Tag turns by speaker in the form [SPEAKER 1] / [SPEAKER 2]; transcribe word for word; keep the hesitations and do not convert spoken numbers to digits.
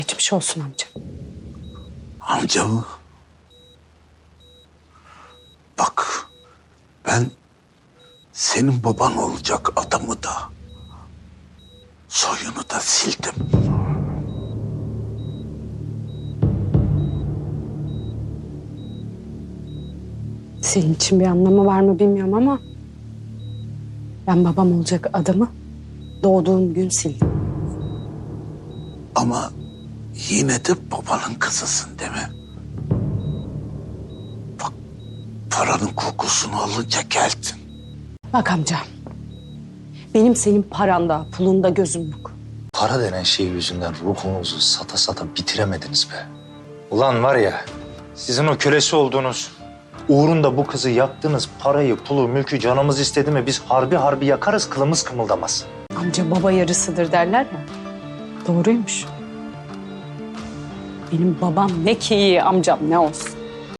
[SPEAKER 1] Geçmiş olsun amca.
[SPEAKER 2] Amca mı? Bak, ben senin baban olacak adamı da, soyunu da sildim.
[SPEAKER 1] Senin için bir anlamı var mı bilmiyorum ama ben babam olacak adamı doğduğum gün sildim.
[SPEAKER 2] Ama yine de babanın kızısın değil mi? Bak, paranın kokusunu alınca geldin.
[SPEAKER 1] Bak amca, benim senin paranda, pulunda gözüm yok.
[SPEAKER 3] Para denen şey yüzünden ruhunuzu sata sata bitiremediniz be. Ulan var ya, sizin o kölesi olduğunuz, uğrunda bu kızı yaktınız, parayı, pulu, mülkü canımız istedi mi biz harbi harbi yakarız, kılımız kımıldamaz.
[SPEAKER 1] Amca baba yarısıdır derler ya. Doğruymuş. Benim babam ne ki iyi, amcam ne olsun.